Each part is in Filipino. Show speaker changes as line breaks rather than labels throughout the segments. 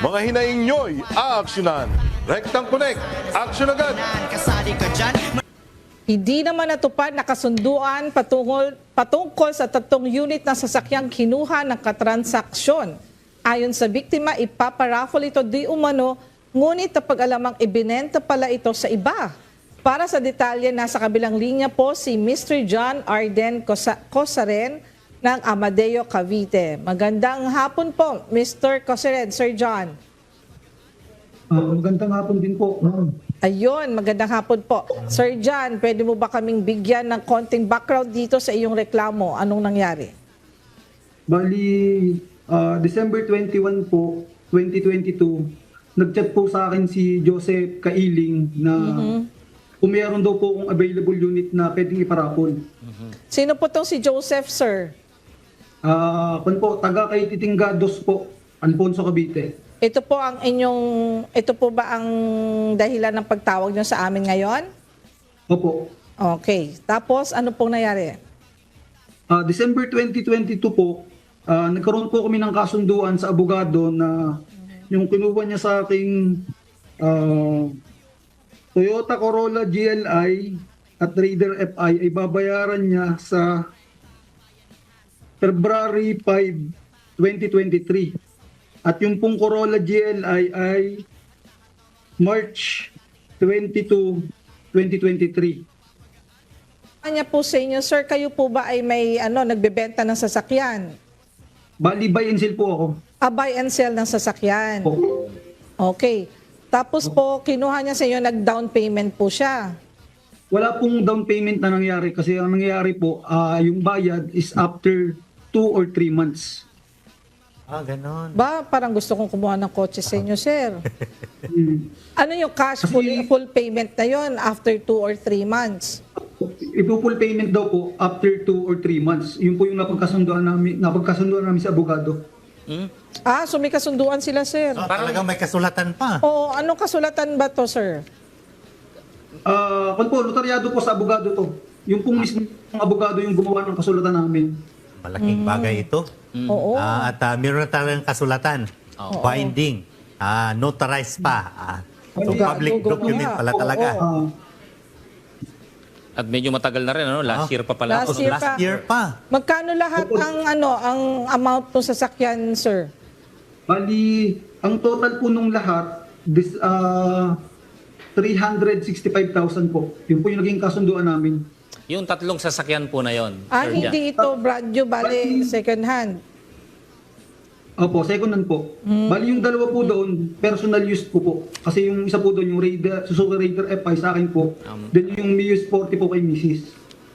Mga hinaing nyo'y aaksyonan. Rectang Connect, aksyon agad!
Hindi naman natupad na kasunduan patungkol sa 3 unit na sasakyang kinuha ng katransaksyon. Ayon sa biktima, ipaparaffle ito di umano, ngunit napag-alamang ibinenta pala ito sa iba. Para sa detalye, nasa kabilang linya po si Mr. John Arden Cosaren ng Amadeo, Cavite. Magandang hapon po, Mr. Cosaren, Sir John.
Magandang hapon din po, ma'am.
Ayun, magandang hapon po. Sir John, pwede mo ba kaming bigyan ng konting background dito sa iyong reklamo? Anong nangyari?
Bali, December 21 po, 2022, nag-chat po sa akin si Joseph Kailing na kung mayroon daw po akong available unit na pwedeng iparapol.
Sino po tong si Joseph, sir?
Kung po, taga kay Titinggados po, Alfonso, Cavite.
Ito po ba ang dahilan ng pagtawag niyo sa amin ngayon?
Opo.
Okay. Tapos, ano pong nangyari?
December 2022 po, nagkaroon po kami ng kasunduan sa abogado na yung kinuha niya sa aking Toyota Corolla GLI at Raider FI ay babayaran niya sa February 5, 2023. At yung pong Corolla GLI ay March 22, 2023.
Kanya po sa inyo, sir, kayo po ba ay may nagbebenta ng sasakyan?
Bali, buy and sell po ako.
Buy and sell ng sasakyan.
Po.
Okay. Tapos po, kinuha niya sa inyo, nag-down payment po siya.
Wala pong down payment na nangyari kasi ang nangyayari po, yung bayad is after 2 or 3 months.
Ganon.
Ba, parang gusto kong kumuha ng kotse sa inyo, sir.
Mm.
Ano yung cash full payment na yon after 2 or 3 months?
Ipo-full payment daw po after 2 or 3 months. Yun po yung napagkasunduan namin sa abogado.
So may kasunduan sila, sir.
Talagang may kasulatan pa.
Oo, anong kasulatan ba to, sir?
Kung po, notaryado po sa abogado to. Yung pong mismo abogado yung gumawa ng kasulatan namin.
Malaking bagay ito.
Oo.
At meron na talagang kasulatan. Binding. Notarized pa. Public document pala talaga.
At medyo matagal na rin, last year pa pala.
Last year pa.
Last year pa.
Magkano lahat ang amount ng sasakyan, sir?
Bali, ang total po nung lahat, 365,000 po. Yun po yung naging kasunduan namin.
Yung 3 sasakyan po na yon. Sir Jan.
Hindi ito brand new, bali second hand.
Opo, second hand po. Bali yung dalawa po doon, personal use po po. Kasi yung isa po doon, yung Suzuki Raider FI sa akin po. Then yung Mius 40 po kay Mrs.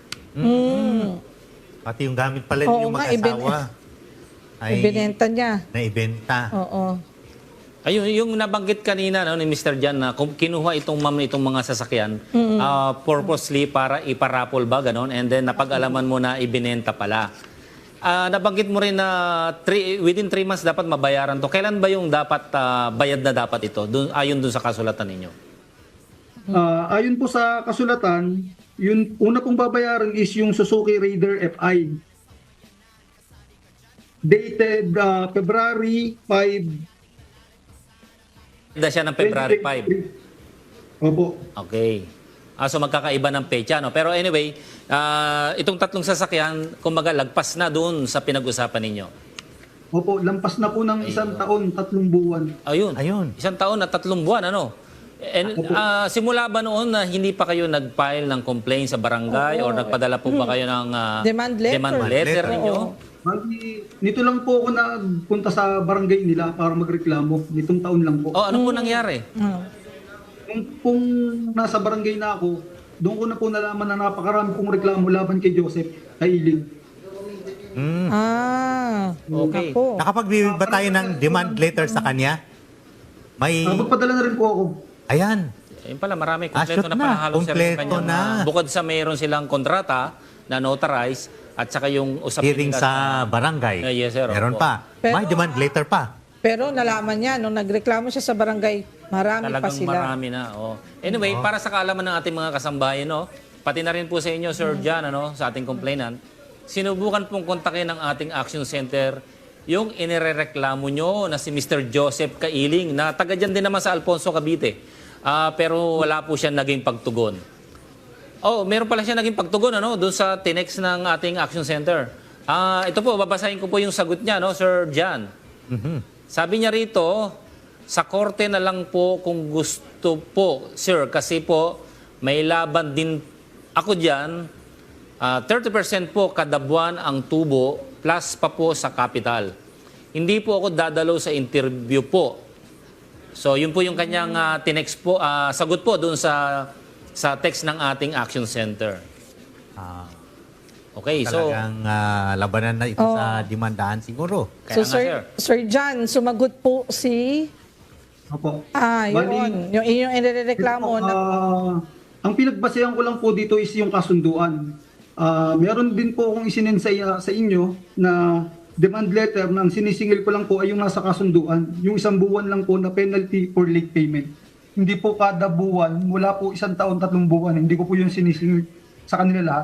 Pati yung gamit pala
Oo
yung
nga,
mag-asawa.
Ibinenta niya.
Naibenta.
Oo.
Ayun, yung nabanggit kanina ni Mr. Jan na kung kinuha itong mga sasakyan purposely para iparapol ba, ganon? And then napag-alaman mo na ibinenta pala. Nabanggit mo rin na within 3 months dapat mabayaran to. Kailan ba yung dapat bayad na dapat ito? Ayon dun sa kasulatan ninyo?
Ayon po sa kasulatan, yung una pong babayaran is yung Suzuki Raider FI. Dated February 5.
Handa siya ng February 5.
Opo.
Okay. So magkakaiba ng pecha, no? Pero anyway, itong 3 sasakyan, kumbaga lagpas na doon sa pinag-usapan ninyo.
Opo, lampas na po ng 1 taon, 3 buwan.
Ayun. 1
Ayun.
taon at 3 buwan, ano? And, simula ba noon na hindi pa kayo nag-file ng complaint sa barangay or nagpadala po ba kayo ng
Demand letter.
ninyo?
Bali, nito lang po ako nagpunta sa barangay nila para magreklamo. Nitong taon lang po.
Ano po nangyari?
Kung nasa barangay na ako, doon ko na po nalaman na napakarami kong reklamo laban kay Joseph Kailing.
Okay.
Ako.
Nakapagbibig ba tayo ng demand letter sa kanya? May...
Magpadala na rin po ako.
Ayan.
Ayun pala, marami.
Shoot
Kompleto na
na.
pala halos sir, yung
Kompleto
kanyang,
na.
bukod sa mayroon silang kontrata na notarized at saka yung usapin
Hearing
nila
sa barangay.
Yes, sir.
Meron
Opo.
pa. May demand letter pa.
Pero nalaman niya, nung nagreklamo siya sa barangay, marami pa
Talagang
sila.
marami na. Anyway, para sa kaalaman ng ating mga kasambahay, pati na rin po sa inyo, Sir John, sa ating complainant, sinubukan pong kontakin ng ating Action Center yung inirereklamo nyo na si Mr. Joseph Kailing na taga dyan din naman sa Alfonso, Cavite. Pero wala po siya naging pagtugon. Oh, meron pala siya naging pagtugon doon sa tinex ng ating Action Center. Ito po, babasahin ko po yung sagot niya, Sir Jan. Sabi niya rito, sa korte na lang po kung gusto po, sir, kasi po may laban din ako dyan. 30% po kada buwan ang tubo plus pa po sa capital. Hindi po ako dadalo sa interview po. So yun po yung kanyang tinext po, sagot po doon sa text ng ating Action Center. Okay, so
Talagang labanan na ito sa demandaan siguro.
Kaya
So,
nga,
Sir John, sumagot po si...
Opo.
yun. Yung inyong inireklamo na...
Ang pinagbasehan ko lang po dito is yung kasunduan. Meron din po akong isinend sa inyo na demand letter na ang sinisingil ko lang po ay yung nasa kasunduan. Yung 1 buwan lang po na penalty for late payment. Hindi po kada buwan, mula po 1 taon, 3 buwan. Hindi ko po yung sinisingil sa kanila lahat.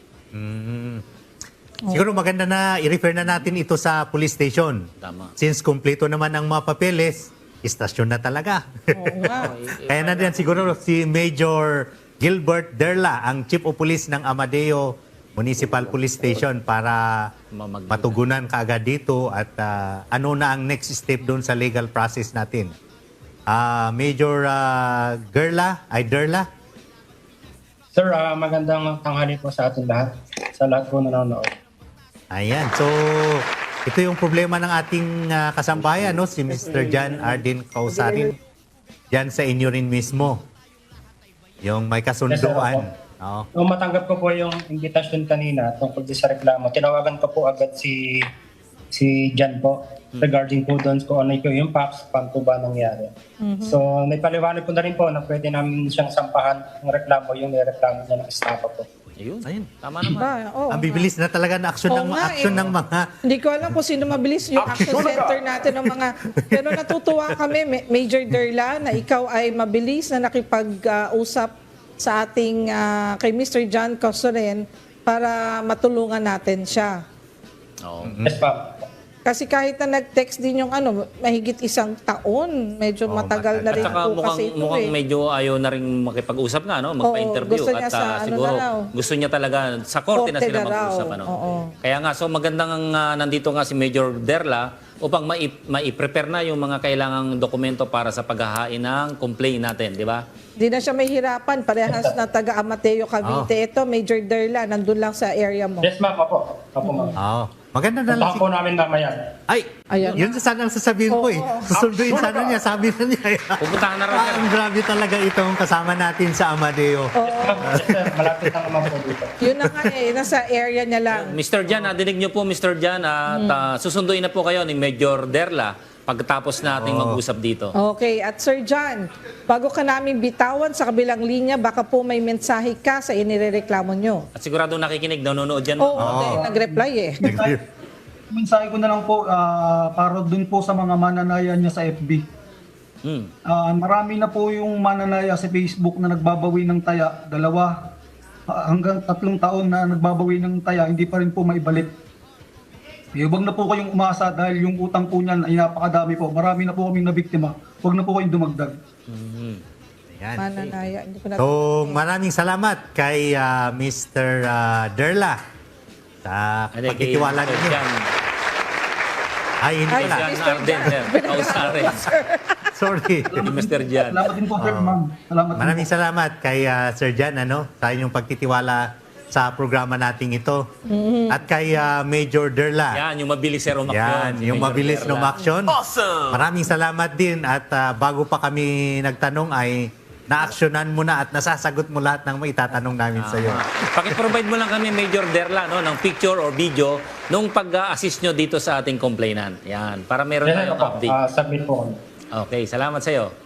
Siguro maganda na i-refer na natin ito sa police station.
Tama.
Since kumpleto naman ang mga papeles, istasyon na talaga.
Oo nga.
Kaya na din siguro si Major Gilbert Derla, ang Chief of Police ng Amadeo Municipal Police Station para matugunan kaagad dito at ano na ang next step doon sa legal process natin. Major Derla?
Sir, magandang tanghali po sa ating lahat. Sa lahat po nanonood.
Ayan, so ito yung problema ng ating kasambayan, si Mr. Jan Arden Causarin. Diyan sa inyo rin mismo. Yung may kasunduan.
Nung matanggap ko po yung invitation kanina tungkol sa reklamo, tinawagan ko po agad si Jan po regarding po doon kung ano yung PAPS, paano po ba nangyari. So, naipaliwanag ko na rin po na pwede namin siyang sampahan ng reklamo, yung nireklamo niya ng estafa po.
ayun. Tama naman.
Ang bibilis na talaga na action ng mga...
Hindi ko alam kung sino mabilis yung action center natin ng mga... Pero natutuwa kami, Major Derla, na ikaw ay mabilis na nakipag-usap sa ating kay Mr. John Causarin para matulungan natin siya.
Oo.
Yes, ma'am.
Kasi kahit na nag-text din yung mahigit 1 taon, medyo matagal na
At
rin
saka
po kasi ito
mukhang medyo ayaw na rin makipag-usap nga, magpa-interview.
gusto niya
At
sa
siguro
na raw.
gusto niya talaga sa korte na
Korte
sila
na raw.
mag-usap.
Oo.
Kaya nga, so magandang nandito nga si Major Derla upang mai-prepare na yung mga kailangang dokumento para sa paghahain ng complaint natin, di ba?
Di na siya may hirapan. Parehas na taga Amateo, Cavite. Ito, Major Derla, nandun lang sa area mo.
Yes, ma'am. Opo, ma'am.
Maganda na lang.
Puntahan po namin mamaya.
Ay,
Ayan.
yun sana ang sasabihin ko Susunduin sana niya, sabi na niya.
Pupuntahan na raw siya.
Ang grabe talaga itong kasama natin sa Amadeo.
Yes, sir. Malapit na naman po dito.
Yun na nga nasa area niya lang.
Mr. Jan, nadinig niyo po, Mr. Jan, at susunduin na po kayo ni Major Derla pagkatapos nating mag-usap dito.
Okay, at Sir John, bago ka namin bitawan sa kabilang linya, baka po may mensahe ka sa inirereklamo nyo.
At sigurado nakikinig, nanonood dyan.
Nag-reply
Mensahe ko na lang po para dun po sa mga mananaya niya sa FB. Marami na po yung mananaya sa Facebook na nagbabawi ng taya, 2 hanggang 3 taon na nagbabawi ng taya, hindi pa rin po maibalik. Huwag na po kayong umasa dahil yung utang po niyan ay napakadami po. Marami na po kaming nabiktima. Huwag na po kayong dumagdag.
Ayan.
Mananaya. Hindi ko na
So, maraming salamat kay Mr. Derla sa pagtitiwala ninyo. Ay, hindi pala.
Jan Arden, sir. Causarin.
Sorry.
Mr. Jan.
Salamat din po, sir, ma'am. Salamat din
Maraming
po.
salamat kay Sir Jan sa inyong pagtitiwala sa programa nating ito. At kay Major Derla.
Yan, yung mabilis sir umaksyon.
Yan, yung
Major
mabilis
Derla.
na umaksyon. Awesome! Maraming salamat din at bago pa kami nagtanong ay na-actionan mo na at nasasagot mo lahat ng maitatanong namin sa iyo.
Pakiprovide mo lang kami, Major Derla, ng picture or video nung pag-assist nyo dito sa ating complainant. Yan, para meron
Yes,
tayong
opo.
update.
Submit po.
Okay, salamat sa iyo.